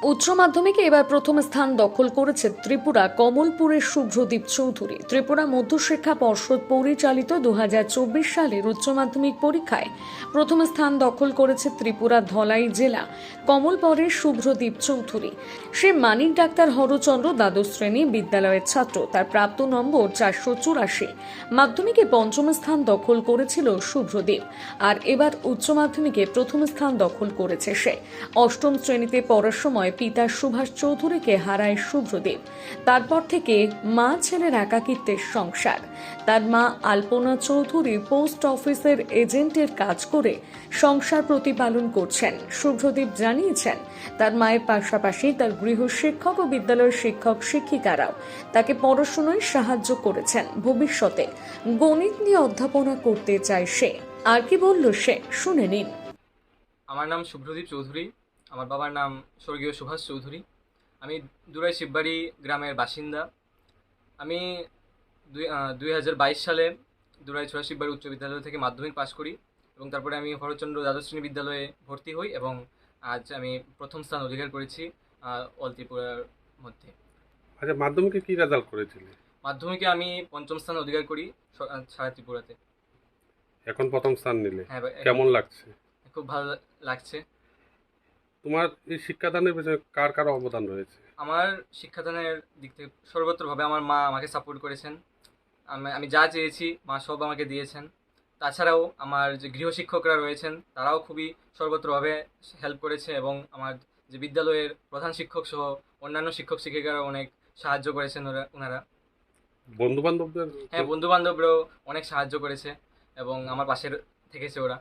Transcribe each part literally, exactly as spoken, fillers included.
উচ্চ মাধ্যমিকে এবার প্রথম স্থান দখল করেছে ত্রিপুরা কমলপুরের শুভ্রদীপ চৌধুরী। ত্রিপুরা মধ্যশিক্ষা পর্ষদ পরিচালিত দু হাজার চব্বিশ সালের উচ্চ মাধ্যমিক পরীক্ষায় প্রথম স্থান দখল করেছে ত্রিপুরা ধলাই জেলা কমলপুরের শুভ্রদীপ চৌধুরী। সে মানিক ডাক্তার হরচন্দ্র দ্বাদশ শ্রেণী বিদ্যালয়ের ছাত্র। তার প্রাপ্ত নম্বর চারশো চুরাশি। মাধ্যমিকে পঞ্চম স্থান দখল করেছিল শুভ্রদীপ, আর এবার উচ্চ মাধ্যমিকে প্রথম স্থান দখল করেছে সে। অষ্টম শ্রেণীতে পড়ার সময় পিতা সুভাষ চৌধুরীকে হারায় শুভ্রদীপ। তারপর থেকে মা ছেলের একাকিত্বের সংসার। তার মা আলপনা চৌধুরী পোস্ট অফিসের এজেন্টের কাজ করে সংসার প্রতিপালন করছেন। শুভ্রদীপ জানিয়েছেন, তার মায়ের পাশাপাশি তার গৃহ শিক্ষক ও বিদ্যালয়ের শিক্ষক শিক্ষিকারাও তাকে পড়াশোনায় সাহায্য করেছেন। ভবিষ্যতে গণিত নিয়ে অধ্যাপনা করতে চায় সে। আর কি বলল সে, শুনে নিন। আমার নাম শুভ্রদীপ চৌধুরী। আমার বাবার নাম স্বর্গীয় সুভাষ চৌধুরী। আমি দুরাই শিববাড়ি গ্রামের বাসিন্দা। আমি দুই দুই হাজার বাইশ সালে দুরাই ছোড়া শিববাড়ি উচ্চ বিদ্যালয় থেকে মাধ্যমিক পাশ করি এবং তারপরে আমি হরচন্দ্র দ্বাদশ শ্রেণী বিদ্যালয়ে ভর্তি হই এবং আজ আমি প্রথম স্থান অধিকার করেছি অল ত্রিপুরার মধ্যে। আচ্ছা, মাধ্যমিকে কি রেজাল্ট করেছিলে? মাধ্যমিকে আমি পঞ্চম স্থান অধিকার করি সারা ত্রিপুরাতে। এখন প্রথম স্থান নিলে, হ্যাঁ, কেমন লাগছে? খুব ভালো লাগছে। তোমার এই শিক্ষাদানের পেছনে কার কার অবদান রয়েছে? আমার শিক্ষাদানের দিক থেকে সর্বত্রভাবে আমার মা আমাকে সাপোর্ট করেছেন। আমি আমি যা চেয়েছি মা সব আমাকে দিয়েছেন। তাছাড়াও আমার যে গৃহশিক্ষকরা রয়েছেন তারাও খুবই সর্বত্রভাবে হেল্প করেছে এবং আমার যে বিদ্যালয়ের প্রধান শিক্ষক সহ অন্যান্য শিক্ষক শিক্ষিকারাও অনেক সাহায্য করেছেন ওরা ওনারা বন্ধু বান্ধবদের? হ্যাঁ, বন্ধু বান্ধবরাও অনেক সাহায্য করেছে এবং আমার পাশে থেকেছে ওরা।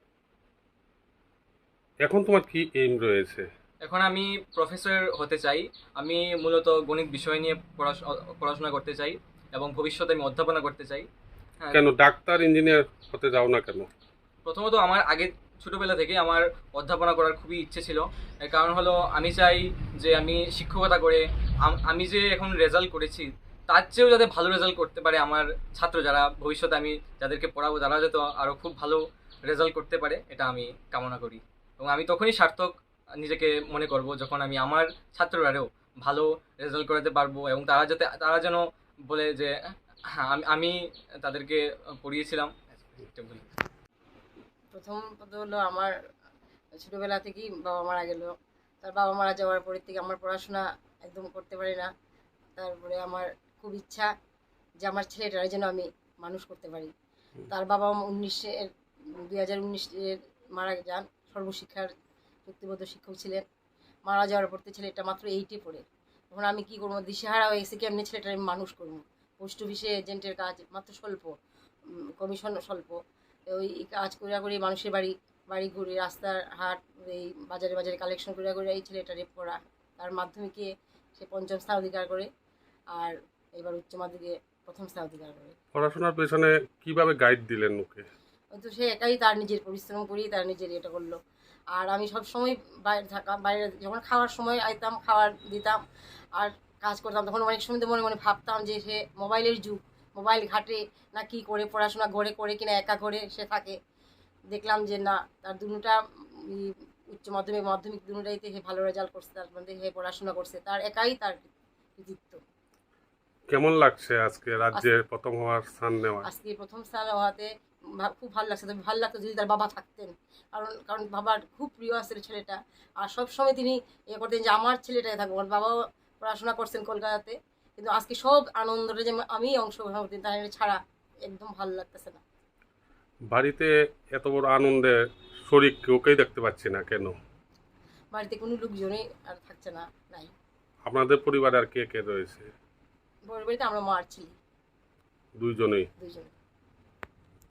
এখন তোমার কি এইম রয়েছে? এখন আমি প্রফেসর হতে চাই। আমি মূলত গণিত বিষয় নিয়ে পড়াশোনা করতে চাই এবং ভবিষ্যতে আমি অধ্যাপনা করতে চাই। কেন ডাক্তার ইঞ্জিনিয়ার হতে যাও না কেন? প্রথমত আমার আগে ছোটোবেলা থেকে আমার অধ্যাপনা করার খুবই ইচ্ছে ছিল। এর কারণ হলো আমি চাই যে আমি শিক্ষকতা করে আমি যে এখন রেজাল্ট করেছি তার চেয়েও যাতে ভালো রেজাল্ট করতে পারে আমার ছাত্র যারা ভবিষ্যতে আমি যাদেরকে পড়াবো তারা যাতে আরও খুব ভালো রেজাল্ট করতে পারে, এটা আমি কামনা করি। এবং আমি তখনই সার্থক নিজেকে মনে করব যখন আমি আমার ছাত্ররাও ভালো রেজাল্ট করাতে পারবো এবং তারা যাতে তারা যেন বলে যে হ্যাঁ আমি আমি তাদেরকে পড়িয়েছিলাম। প্রথম কথা হলো আমার ছোটোবেলা থেকেই বাবা মারা গেল। তার বাবা মারা যাওয়ার পরের থেকে আমার পড়াশোনা একদম করতে পারি না। তারপরে আমার খুব ইচ্ছা যে আমার ছেলেটার যেন আমি মানুষ করতে পারি। তার বাবা উনিশের দুই হাজার উনিশের মারা যান। সর্বশিক্ষার চুক্তিবদ্ধ শিক্ষক ছিলেন। মারা যাওয়ার পর ছেলেটা মাত্র এইটে পড়ে। তখন আমি কী করবো, দিশেহারা হয়ে গেছি কেমনি ছেলেটা আমি মানুষ করবো। পোস্ট অফিসে এজেন্টের কাজ মাত্র স্বল্প, কমিশন স্বল্প। ওই কাজ করিয়া করি মানুষের বাড়ি বাড়ি ঘুরে রাস্তার হাট এই বাজারে বাজারে কালেকশন করিয়া করে এই ছেলেটারে পড়া। তার মাধ্যমিকে সে পঞ্চম স্থান অধিকার করে আর এবার উচ্চ মাধ্যমিকে প্রথম স্থান অধিকার করে। পড়াশোনার পেছনে কিভাবে গাইড দিলেন ওকে? তো সে একাই তার নিজের পরিশ্রম করেই তার নিজের এটা করলো। আর আমি সব সময় বাইরে থাকা বাইরে যখন খাওয়ার সময় আইতাম খাবার দিতাম আর কাজ করতাম, তখন অনেক সময় মনে মনে ভাবতাম যে সে মোবাইলের যুগ, মোবাইল ঘাটে না কি করে পড়াশোনা ঘরে করে কিনা একা করে সে থাকে। দেখলাম যে না, তার দুটা উচ্চ মাধ্যমিক মাধ্যমিক দুটাইতে সে ভালো রেজাল্ট করছে, তার মধ্যে সে পড়াশোনা করছে, তার একাই তার কৃতিত্ব। কেমন লাগছে আজকে রাজ্যের প্রথম হওয়ার স্থান নেওয়া? আজকে প্রথম স্থান হওয়াতে খুব ভালো লাগছে। তবে ভালো লাগতো যদি তার বাবা থাকতেন, কারণ কারণ বাবার খুব প্রিয় আছে ছেলেটা। আর সবসময় তিনি এ করতেন যে আমার ছেলেটাই থাকবো। আমার বাবাও পড়াশোনা করছেন কলকাতাতে, কিন্তু আজকে সব আনন্দটা যে আমি অংশগ্রহণ করতেন তার ছাড়া একদম ভালো লাগতেছে না। বাড়িতে এত বড় আনন্দে শরীর ওকেই দেখতে পাচ্ছি না কেন? বাড়িতে কোনো লোকজনই আর থাকছে না, নাই। আপনাদের পরিবারে আর কে কে রয়েছে? পরিবারে আমরা মা আর ছেলে দুইজনেই? দুইজন।